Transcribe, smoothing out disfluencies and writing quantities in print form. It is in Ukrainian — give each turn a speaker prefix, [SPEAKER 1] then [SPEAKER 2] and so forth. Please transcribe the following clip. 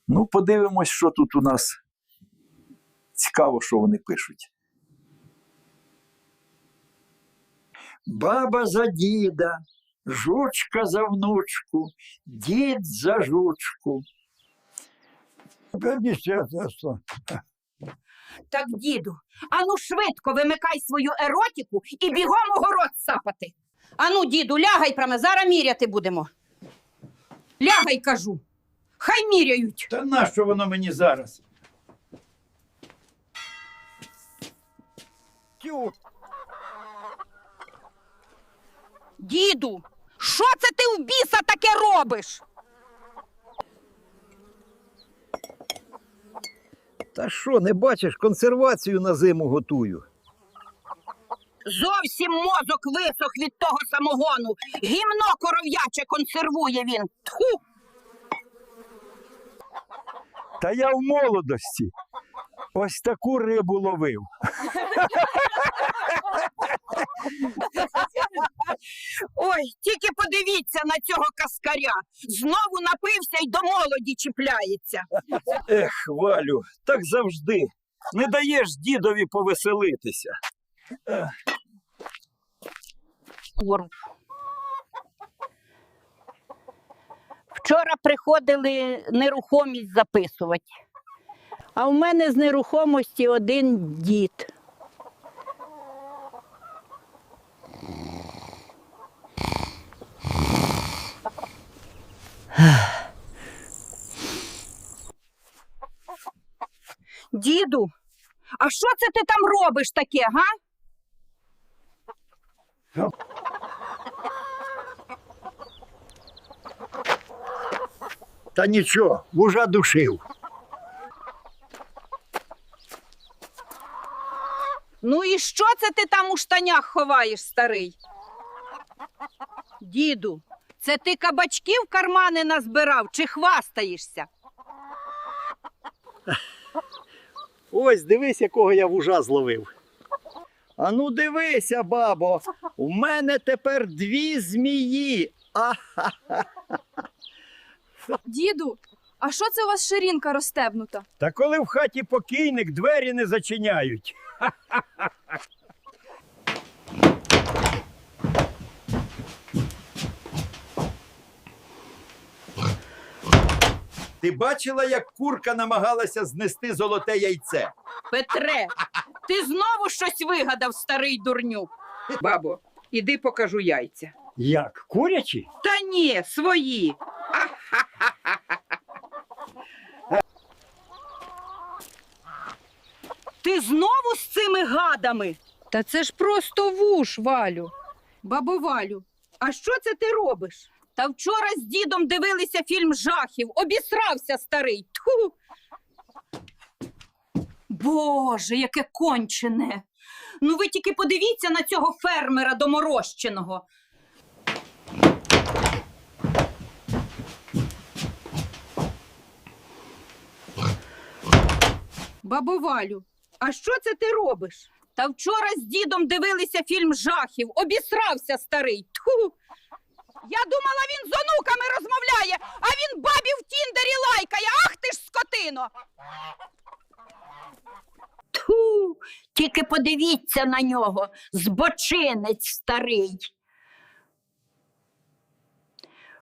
[SPEAKER 1] Ну, подивимось, що тут у нас. Цікаво, що вони пишуть. Баба за діда, жучка за внучку, дід за жучку.
[SPEAKER 2] Так, діду, ану швидко вимикай свою еротику і бігом огород сапати. Ану, діду, лягай прямо, зараз міряти будемо. Лягай, кажу. Хай міряють.
[SPEAKER 1] Та нащо воно мені зараз? Тю.
[SPEAKER 2] Діду, що це ти в біса таке робиш?
[SPEAKER 3] Та що, не бачиш, консервацію на зиму готую.
[SPEAKER 2] Зовсім мозок висох від того самогону. Гімно коров'яче консервує він. Тху!
[SPEAKER 1] Та я в молодості ось таку рибу ловив.
[SPEAKER 2] Ой, тільки подивіться на цього каскаря. Знову напився й до молоді чіпляється.
[SPEAKER 1] Ех, Валю, так завжди. Не даєш дідові повеселитися.
[SPEAKER 2] Вчора приходили нерухомість записувати. А в мене з нерухомості один дід. Діду, а що це ти там робиш таке, га?
[SPEAKER 3] Та нічого, вужа душив.
[SPEAKER 2] Ну і що це ти там у штанях ховаєш, старий? Діду, це ти кабачків в кармани назбирав чи хвастаєшся?
[SPEAKER 3] Ось, дивись, якого я вужа зловив. А ну дивися, бабо, у мене тепер 2 змії.
[SPEAKER 4] Діду, а що це у вас ширинка розстебнута?
[SPEAKER 1] Та коли в хаті покійник, двері не зачиняють. Ти бачила, як курка намагалася знести золоте яйце?
[SPEAKER 2] Петре, ти знову щось вигадав, старий дурню. Бабо, іди покажу яйця.
[SPEAKER 3] Як, курячі?
[SPEAKER 2] Та ні, свої. Ти знову з цими гадами? Та це ж просто вуш, Валю. Бабо Валю, а що це ти робиш? Та вчора з дідом дивилися фільм жахів. Обісрався старий. Тьху! Боже, яке кончене. Ну ви тільки подивіться на цього фермера доморощеного. Бабо Валю, а що це ти робиш? Та вчора з дідом дивилися фільм жахів. Обісрався старий. Тьху! Я думала, він з онуками розмовляє, а він бабі в Тіндері лайкає. Ах ти ж скотино! Тьху! Тільки подивіться на нього, збочинець старий.